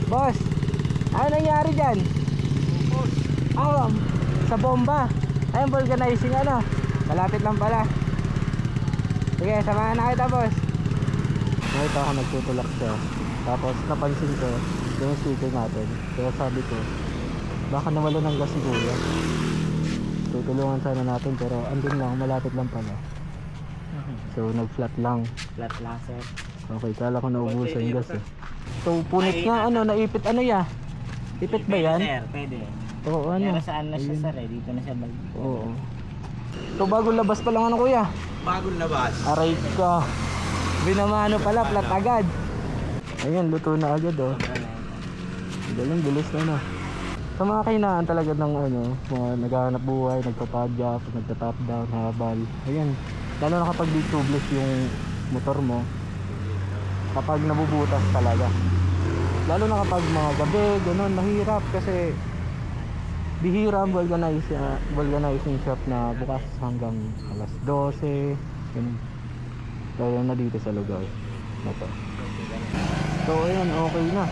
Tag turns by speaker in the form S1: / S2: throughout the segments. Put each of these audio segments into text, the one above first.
S1: Boss, ano nangyari dyan? Sa bomba. Ayun, vulcanizing ano. Malapit lang pala. Sige, samahan na kita, boss. Nakita ako nagtutulak siya. Tapos napansin ko yung sticker natin. Kaya sabi ko, baka nawala ng gas si kuya. Tutulungan sana natin pero andun lang, malapit lang pala. So nag-flat lang.
S2: Flat lang, sir.
S1: Okay, kala ko naubusan yung gas eh. So punit nga ano, naipit ano ya? Ipit ba yan?
S2: Sir, pwede.
S1: Oo, ano?
S2: Pero saan na siya, sir, eh? Dito na siya balik.
S1: Oo. So bagong labas pa lang ano kuya?
S3: Bagong labas.
S1: Aray ka. Binamano pala, flat agad. Ayun, luto na agad oh. Galing, bilis na no. Sa mga kainaan talaga ng ano, mga naghahanap buhay, nagpapadya, nagta-top down, habal. Ayun, lalo na kapag di tubeless yung motor mo. Kapag nabubutas talaga. Lalo na kapag mga gabi, ganun, mahirap kasi bihira ang vulcanizing shop na bukas hanggang alas 12. Ganun. Lalo na dito sa lugar na to. So ayun, okay na.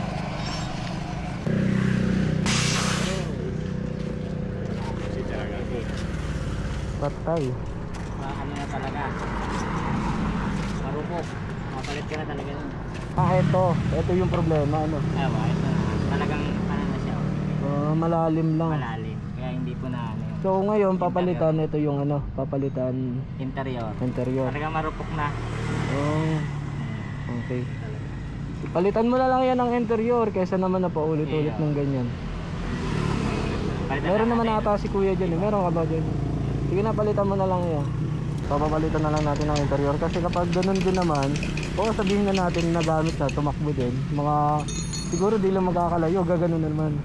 S1: Patay.
S2: Ano na talaga. Marupok. Mapalit ka na talaga nun.
S1: Ito yung problema ano.
S2: Ewa, ito na. Talagang ano na siya.
S1: Malalim lang.
S2: Malalim. Kaya hindi po na ano yun.
S1: So ngayon papalitan ito yung ano, papalitan
S2: Interior.
S1: interior.
S2: Talagang marupok na.
S1: Oh, okay. Palitan mo na lang yan ng interior kaysa naman na paulit-ulit ng ganyan.
S2: Palitan
S1: Meron
S2: na
S1: naman
S2: natin.
S1: ata si kuya dyan eh. Meron ka ba dyan? Sige na, palitan mo na lang yan. Papapalitan na lang natin ng interior. Kasi kapag ganun din naman, o sabihin na natin na gamit na, tumakbo din. Mga, siguro di lang magkakalayo, gaganon na naman.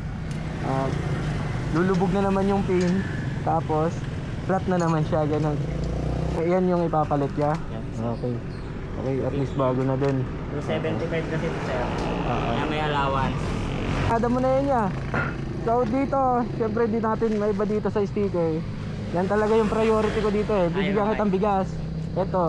S1: Lulubog na naman yung pin. Tapos, flat na naman siya, ganun. Yan yung ipapalit niya? Okay. Okay, at least bago na din.
S2: 275 kasi ito, sir. Kaya may allowance.
S1: Kada mo na yun ya. So dito, syempre di natin may iba dito sa sticker. Yan talaga yung priority ko dito eh. Bibigyan kitang bigas. Ito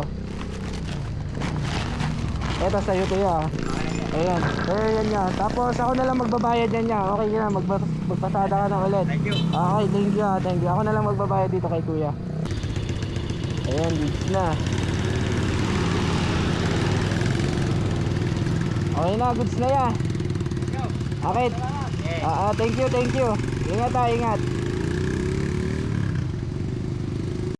S1: sa'yo to ya. Ayan. Ayan yan. Tapos ako na lang magbabayad yan ya. Okay na, magpasada ka na ulit.
S3: Thank you.
S1: Okay, thank you. Ako na lang magbabayad dito kay kuya. Ayan, goods na. Okay na, goods na ya. Okay. Thank you. Ingat.